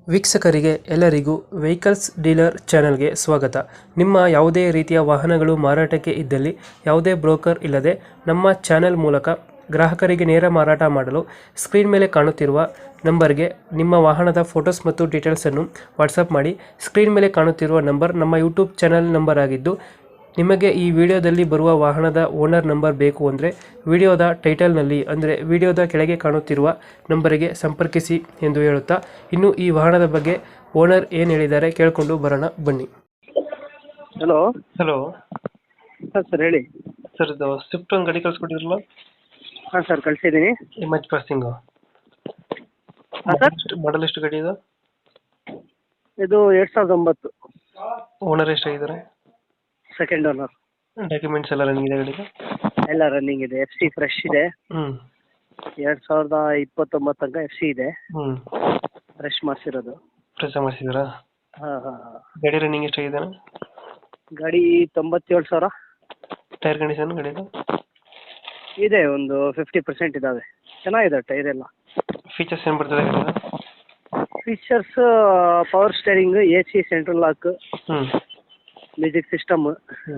ವೀಕ್ಷಕರಿಗೆ ಎಲ್ಲರಿಗೂ vehicles dealer ಚಾನೆಲ್ಗೆ ಸ್ವಾಗತ. ನಿಮ್ಮ ಯಾವುದೇ ರೀತಿಯ ವಾಹನಗಳು ಮಾರಾಟಕ್ಕೆ ಇದ್ದಲ್ಲಿ ಯಾವುದೇ ಬ್ರೋಕರ್ ಇಲ್ಲದೆ ನಮ್ಮ ಚಾನೆಲ್ ಮೂಲಕ ಗ್ರಾಹಕರಿಗೆ ನೇರ ಮಾರಾಟ ಮಾಡಲು ಸ್ಕ್ರೀನ್ ಮೇಲೆ ಕಾಣುತ್ತಿರುವ ನಂಬರ್ಗೆ ನಿಮ್ಮ ವಾಹನದ ಫೋಟೋಸ್ ಮತ್ತು ಡೀಟೇಲ್ಸನ್ನು ವಾಟ್ಸಪ್ ಮಾಡಿ. ಸ್ಕ್ರೀನ್ ಮೇಲೆ ಕಾಣುತ್ತಿರುವ ನಂಬರ್ ನಮ್ಮ ಯೂಟ್ಯೂಬ್ ಚಾನೆಲ್ ನಂಬರ್ ಆಗಿದ್ದು, ನಿಮಗೆ ಈ ವಿಡಿಯೋದಲ್ಲಿ ಬರುವ ವಾಹನದ ಓನರ್ ನಂಬರ್ ಬೇಕು ಅಂದರೆ ವಿಡಿಯೋದ ಟೈಟಲ್ನಲ್ಲಿ ಅಂದರೆ ವಿಡಿಯೋದ ಕೆಳಗೆ ಕಾಣುತ್ತಿರುವ ನಂಬರಿಗೆ ಸಂಪರ್ಕಿಸಿ ಎಂದು ಹೇಳುತ್ತಾ, ಇನ್ನು ಈ ವಾಹನದ ಬಗ್ಗೆ ಓನರ್ ಏನು ಹೇಳಿದ್ದಾರೆ ಕೇಳಿಕೊಂಡು ಬರೋಣ ಬನ್ನಿ. ಹಲೋ. ಹಲೋ ಹಾಂ ಸರ್, ಹೇಳಿ. ಸರ್, ಇದು ಸ್ವಿಫ್ಟ್ ಒಂದು ಗಾಡಿ ಕಳಿಸ್ಕೊಟ್ಟಿರಲ್ಲ, ಹಾಂ ಸರ್, ಕಳಿಸಿದ್ದೀನಿ. ಇಮೇಜ್ ಪಾಸಿಂಗು ಹಾಂ ಸರ್, ಮಾಡಲ್ ಎಷ್ಟು ಗಾಡಿ ಇದು? ಇದು 2009 ಓನರ್ ಎಷ್ಟಾಗಿದ್ದಾರೆ? Second owner. ಡಾಕ್ಯುಮೆಂಟ್ಸ್ ಎಲ್ಲ ರನ್ನಿಂಗ್ ಇದೆ ಗಾಡಿಗೆ? ಎಲ್ಲ ರನ್ನಿಂಗ್ ಇದೆ. FC ಫ್ರೆಶ್ ಇದೆ. ಹ್ಞೂ 2029 ತನಕ FC ಇದೆ. ಹ್ಞೂ ಫ್ರೆಶ್ ಮಾಡಿಸಿರೋದು. ಫ್ರೆಶ್ ಮಾಡಿಸಿದ್ದೀರಾ? ಹಾಂ ಹಾಂ ಹಾಂ. ಗಾಡಿ ರನ್ನಿಂಗ್ ಎಷ್ಟಾಗಿದೆ? ಗಾಡಿ 97,000 ಟೈರ್ ಕಂಡೀಷನ್ ಗಾಡಿದು? ಇದೆ, ಒಂದು 50% ಇದ್ದಾವೆ. ಚೆನ್ನಾಗಿದೆ ಟೈರ್ ಎಲ್ಲ. ಫೀಚರ್ಸ್ ಏನು ಬರ್ತದೆ ಗಾಡಿದು? Features power steering, AC, central lock, ಹ್ಞೂ ಮ್ಯೂಸಿಕ್ ಸಿಸ್ಟಮ್, ಹ್ಞೂ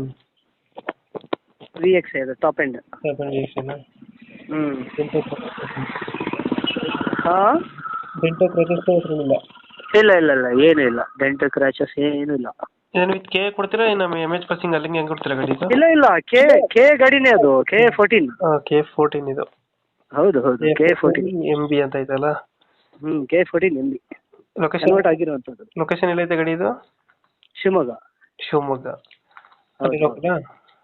VX ಇದೆ ಟಾಪ್ ಎಂಡ್. ಹ್ಞೂ. ಹಾಂ, ಡೆಂಟೋ ಕ್ರ್ಯಾಚಸ್ ಏನಿಲ್ಲ? ಇಲ್ಲ ಇಲ್ಲ ಇಲ್ಲ, ಏನೂ ಇಲ್ಲ. ಡೆಂಟ್ ಕ್ರ್ಯಾಚಸ್ ಏನೂ ಇಲ್ಲ. ಏನು ವಿತ್ ಕೆ ಕೊಡ್ತೀರಾ? ನಮ್ಮ ಎಮ್ ಪಾಸಿಂಗ್ ಅಲ್ಲಿಂಗೆ ಹೆಂಗೆ ಕೊಡ್ತೀರಾ ಗಾಡಿ? ಇಲ್ಲ ಇಲ್ಲ, ಕೆ ಗಾಡಿನೇ ಅದು. K14. K14 ಇದು? ಹೌದು ಹೌದು, K14 MB ಅಂತ ಐತಲ್ಲ? K14 MB ಲೊಕೇಶನ್ ಕನ್ವರ್ಟ್ ಆಗಿರುವಂಥದ್ದು. ಲೊಕೇಶನ್ ಎಲ್ಲೈತೆ ಗಾಡಿ ಇದು? ಶಿವಮೊಗ್ಗ. ಶಿವಮೊಗ್ಗ. ಹೌದು. ಲೋಕಲಾ?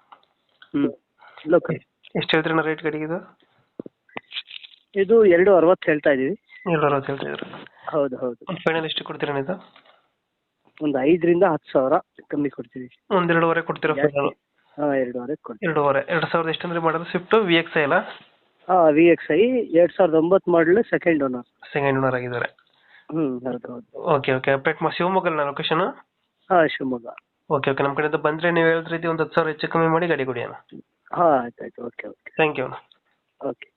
ಲೋಕಲ್. ಎಷ್ಟು ಹೇಳ್ತೀರಣ್ಣ ರೇಟ್ ಗಾಡಿಗೆ ಇದು? ಇದು 260 ಹೇಳ್ತಾ ಇದೀವಿ. 260 ಹೇಳ್ತಿದ್ರು? ಹೌದು ಹೌದು. ಫೈನಲ್ ಎಷ್ಟು ಕೊಡ್ತೀರಣ್ಣ ಇದು? ಒಂದು 5,000 ರಿಂದ 10,000 ಕಮ್ಮಿ ಕೊಡ್ತೀವಿ. ಒಂದು 2.5 ಕೊಡ್ತೀರಾ ಫೈನಲ್? ಹಾಂ, 2.5 ಕೊಡ್ತೀವಿ. 2.5. 2000 ಎಷ್ಟಂದ್ರೆ ಮಾಡೋದು? ಸ್ವಿಫ್ಟ್ VXI ಅಲ್ಲ? ಹಾಂ, VXI 2009 model, second owner. Second owner ಆಗಿದ್ದಾರೆ? ಹೌದು ಹೌದು. Okay okay. ಅಪ್ಡೇಟ್ ಶಿವಮೊಗ್ಗಲ್ಲ ಲೊಕೇಶನ್? ಹಾಂ, ಶಿವಮೊಗ್ಗ. Okay okay. ನಮ್ಮ ಕಡೆಯಿಂದ ಬಂದರೆ ನೀವು ಹೇಳಿದ ರೀತಿ ಒಂದು 10,000 ಹೆಚ್ಚು ಕಮ್ಮಿ ಮಾಡಿ ಗಾಡಿ ಕೊಡಿ ಅಣ್ಣ. ಹಾಂ, ಆಯ್ತು ಆಯ್ತು. Okay okay. ಥ್ಯಾಂಕ್ ಯು ಅಣ್ಣ. ಓಕೆ.